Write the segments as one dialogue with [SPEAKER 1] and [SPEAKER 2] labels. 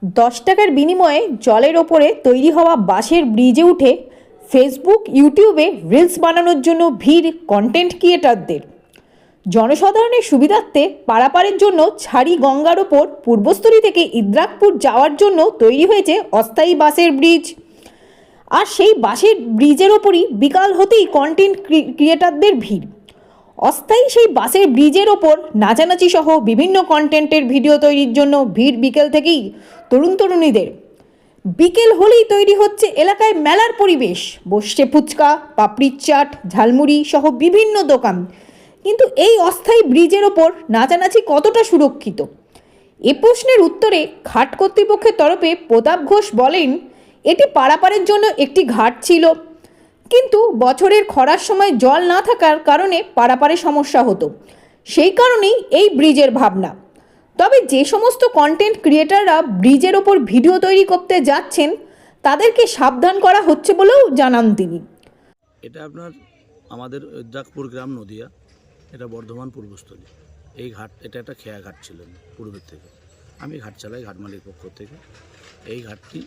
[SPEAKER 1] 10 টাকার বিনিময়ে জলের ওপরে তৈরি হওয়া বাঁশের ব্রিজে উঠে ফেসবুক, ইউটিউবে রিলস বানানোর জন্য ভিড় কন্টেন্ট ক্রিয়েটরদের। জনসাধারণের সুবিধার্থে পারাপারের জন্য ছাড়ি গঙ্গার ওপর পূর্বস্থলী থেকে ইদ্রাকপুর যাওয়ার জন্য তৈরি হয়েছে অস্থায়ী বাঁশের ব্রিজ। আর সেই বাঁশের ব্রিজের ওপরই বিকাল হতেই কন্টেন্ট ক্রিয়েটরদের ভিড়। অস্থায়ী সেই বাসের ব্রিজের ওপর নাচানাচি সহ বিভিন্ন কন্টেন্টের ভিডিও তৈরির জন্য ভিড় বিকেল থেকেই তরুণীদের। বিকেল হলেই তৈরি হচ্ছে এলাকায় মেলার পরিবেশ, বসছে ফুচকা, পাপড়ির চাট, ঝালমুড়ি সহ বিভিন্ন দোকান। কিন্তু এই অস্থায়ী ব্রিজের ওপর নাচানাচি কতটা সুরক্ষিত? এ প্রশ্নের উত্তরে ঘাট কর্তৃপক্ষের তরফে প্রতাপ ঘোষ বলেন, এটি পারাপারের জন্য একটি ঘাট ছিল, কিন্তু বছরের খরার সময় জল না থাকার কারণে পারাপারে সমস্যা হতো, সেই কারণেই এই ব্রিজের ভাবনা। তবে যে সমস্ত কন্টেন্ট ক্রিয়েটাররা ব্রিজের ওপর ভিডিও তৈরি করতে যাচ্ছেন তাদেরকে সাবধান করা হচ্ছে বলেও জানান তিনি।
[SPEAKER 2] এটা আপনার আমাদের ইদ্রাকপুর গ্রাম, নদিয়া, এটা বর্ধমান পূর্বস্থলী। এই ঘাট, এটা একটা খেয়া ঘাট ছিল পূর্বের থেকে। আমি ঘাট চালাই ঘাট মালিক পক্ষ থেকে। এই ঘাটটি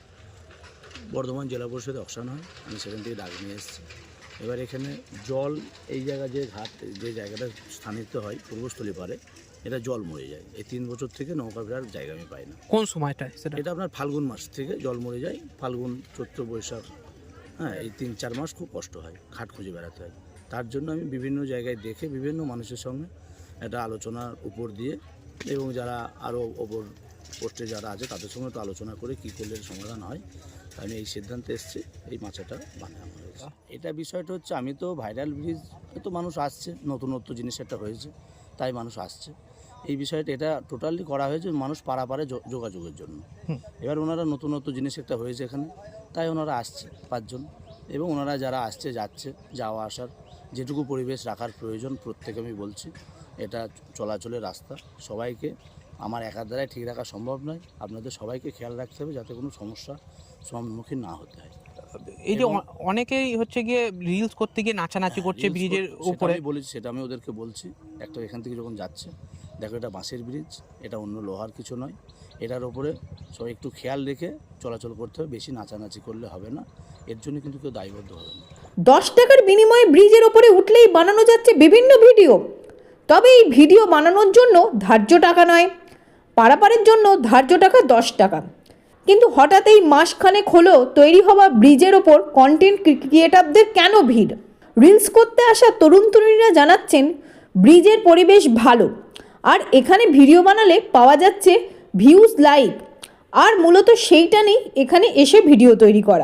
[SPEAKER 2] বর্ধমান জেলা পরিষদে অকশন হয়, আমি সেখান থেকে ডাক নিয়ে এসেছি। এবার এখানে জল, এই জায়গায় যে ঘাট, যে জায়গাটা স্থানিত হয় পূর্বস্থলী পারে, এটা জল মরে যায়। এই 3 বছর থেকে নৌকা ফেরার জায়গা আমি পাই না।
[SPEAKER 3] কোন সময়টা সেটা?
[SPEAKER 2] এটা আপনার ফাল্গুন মাস থেকে জল মরে যায়। ফাল্গুন, চৈত্র, বৈশাখ, হ্যাঁ, এই 3-4 মাস খুব কষ্ট হয়, ঘাট খুঁজে বেড়াতে হয়। তার জন্য আমি বিভিন্ন জায়গায় দেখে বিভিন্ন মানুষের সঙ্গে একটা আলোচনার উপর দিয়ে, এবং যারা আরও ওপর পোস্টে যারা আছে তাদের সঙ্গে তো আলোচনা করে কী করলে সমাধান হয়, আমি এই সিদ্ধান্তে এসেছি এই মাচাটা বানানো হয়েছে। এটা বিষয়টা হচ্ছে, আমি তো ভাইরাল ব্রিজ, তো মানুষ আসছে, নতুনত্ব জিনিস একটা হয়েছে, তাই মানুষ আসছে। এই বিষয়টা এটা টোটালি করা হয়েছে মানুষ পারাপারে যোগাযোগের জন্য। এবার ওনারা নতুনত্ব জিনিস একটা হয়েছে এখানে, তাই ওনারা আসছে 5 জন, এবং ওনারা যারা আসছে যাচ্ছে, যাওয়া আসার যেটুকু পরিবেশ রাখার প্রয়োজন প্রত্যেকে আমি বলছি। এটা চলাচলের রাস্তা, সবাইকে আমার একার দ্বারাই ঠিক রাখা সম্ভব নয়। আপনাদের সবাইকে খেয়াল রাখতে হবে যাতে কোনো সমস্যা সম্মুখীন না হতে হয়।
[SPEAKER 3] এই যে অনেকেই হচ্ছে গিয়ে রিলস করতে গিয়ে নাচানাচি করছে ব্রিজের উপরে,
[SPEAKER 2] আমি বলেছি, সেটা আমি ওদেরকে বলছি। একটা এখান থেকে যখন যাচ্ছে, দেখো এটা বাঁশের ব্রিজ, এটা অন্য লোহার কিছু নয়। এটার ওপরে সবাই একটু খেয়াল রেখে চলাচল করতে হবে, বেশি নাচানাচি করলে হবে না। এর জন্য কিন্তু কেউ দায়বদ্ধ হবে না।
[SPEAKER 1] 10 টাকার বিনিময়ে ব্রিজের ওপরে উঠলেই বানানো যাচ্ছে বিভিন্ন ভিডিও। তবে এই ভিডিও বানানোর জন্য ধার্য টাকা নয়, পারাপারের জন্য ধার্য টাকা 10 টাকা। কিন্তু হঠাৎ এই মাসখানেক হলো তৈরি হওয়া ব্রিজের ওপর কন্টেন্ট ক্রিয়েটরদের কেন ভিড়? রিলস করতে আসা তরুণীরা জানাচ্ছেন, ব্রিজের পরিবেশ ভালো, আর এখানে ভিডিও বানালে পাওয়া যাচ্ছে ভিউজ, লাইক, আর মূলত সেইটা নেই এখানে এসে ভিডিও তৈরি করা।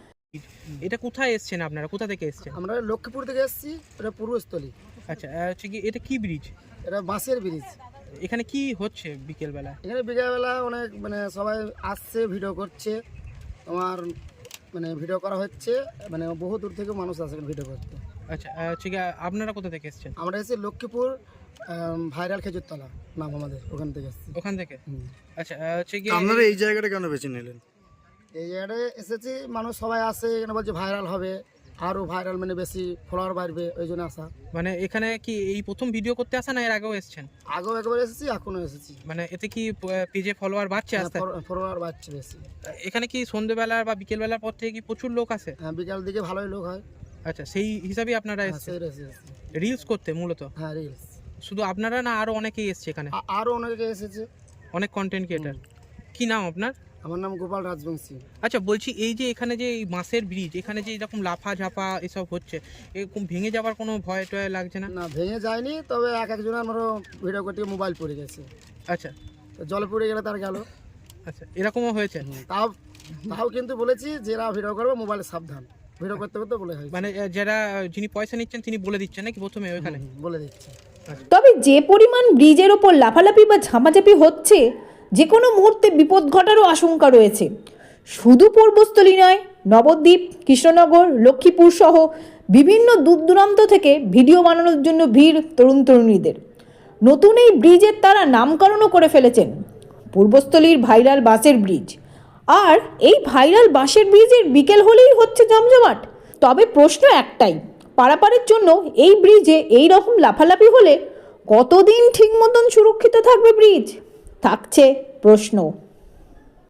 [SPEAKER 3] এটা কোথায় এসছেন আপনারা? কোথা থেকে এসছেন?
[SPEAKER 4] আমরা লক্ষ্মীপুর থেকে এসেছি, এটা পূর্বস্থলী।
[SPEAKER 3] আচ্ছা, হচ্ছে কি এটা কি ব্রিজ?
[SPEAKER 4] এটা বাঁশের ব্রিজ।
[SPEAKER 3] এখানে কি হচ্ছে বিকেলবেলা?
[SPEAKER 4] এখানে বিকেলবেলা অনেক সবাই আসছে, ভিডিও করছে, আমার ভিডিও করা হচ্ছে, বহু দূর থেকে মানুষ আসে ভিডিও করতে।
[SPEAKER 3] আচ্ছা, হচ্ছে কি আপনারা কোথা থেকে এসছেন?
[SPEAKER 4] আমরা এসেছি লক্ষ্মীপুর ভাইরাল খেজুরতলা নাম আমাদের, ওখান থেকে এসেছি।
[SPEAKER 3] ওখান থেকে? আচ্ছা, হচ্ছে কি
[SPEAKER 5] আপনারা এই জায়গাটা কেন বেছে নিলেন?
[SPEAKER 4] এই জায়গাটায় এসেছি, মানুষ সবাই আসে, এখানে বলছে ভাইরাল হবে, আরও ভাইরাল বেশি ফলোয়ার বাড়বে, ওই জন্য আসা।
[SPEAKER 3] এখানে কি এই প্রথম ভিডিও করতে আসা, না এর আগেও এসেছেন?
[SPEAKER 4] আগেও একবার এসেছি, এখনও এসেছি।
[SPEAKER 3] এতে কি পেজে ফলোয়ার বাড়ছে? আস্তে
[SPEAKER 4] ফলোয়ার বাড়ছে বেশি।
[SPEAKER 3] এখানে কি সন্ধ্যেবেলা বা বিকেলবেলার পর থেকে কি প্রচুর লোক আসে?
[SPEAKER 4] হ্যাঁ, বিকাল দিকে ভালোই লোক হয়।
[SPEAKER 3] আচ্ছা, সেই হিসাবে আপনারা এসেছেন রিলস করতে মূলত?
[SPEAKER 4] হ্যাঁ, রিলস।
[SPEAKER 3] শুধু আপনারা না আরো অনেকেই এসছে এখানে?
[SPEAKER 4] আরও অনেকে এসেছে,
[SPEAKER 3] অনেক কন্টেন্ট ক্রিয়েটার। কি নাম আপনার?
[SPEAKER 4] আমার নাম গোপাল রাজবংশী।
[SPEAKER 3] আচ্ছা, বলছি এই যে এখানে যে এই বাঁশের ব্রিজ, এখানে যে এরকম লাফা ঝাপা এসব হচ্ছে, এরকম ভেঙে যাওয়ার কোনো ভয় টয় লাগছে না?
[SPEAKER 4] না, ভেঙে যায়নি, তবে একজনের আমারও ভিডিও করতে মোবাইল পড়ে গেছে।
[SPEAKER 3] আচ্ছা,
[SPEAKER 4] জলে পড়ে গেলে তার গেল।
[SPEAKER 3] আচ্ছা, এরকমও হয়েছে?
[SPEAKER 4] তাও কিন্তু বলেছি, যারা ভিডিও করবে মোবাইলে সাবধান, ভিডিও করতে করতে বলে হয়।
[SPEAKER 3] যিনি পয়সা নিচ্ছেন তিনি বলে দিচ্ছেন নাকি প্রথমে ওইখানে?
[SPEAKER 4] বলে দিচ্ছে।
[SPEAKER 1] তবে যে পরিমাণ ব্রিজের ওপর লাফালাফি বা ঝামাঝাপি হচ্ছে, যে কোনো মুহূর্তে বিপদ ঘটারও আশঙ্কা রয়েছে। শুধু পূর্বস্থলী নয়, নবদ্বীপ, কৃষ্ণনগর, লক্ষ্মীপুর সহ বিভিন্ন দূর দূরান্ত থেকে ভিডিও বানানোর জন্য ভিড় তরুণীদের। নতুন এই ব্রিজের তারা নামকরণও করে ফেলেছেন পূর্বস্থলীর ভাইরাল বাঁশের ব্রিজ। আর এই ভাইরাল বাঁশের ব্রিজের বিকেল হলেই হচ্ছে জমজমাট। তবে প্রশ্ন একটাই, পারাপারের জন্য এই ব্রিজে এই রকম লাফালাফি হলে কতদিন ঠিক মতন সুরক্ষিত থাকবে ব্রিজ? থাকছে প্রশ্ন।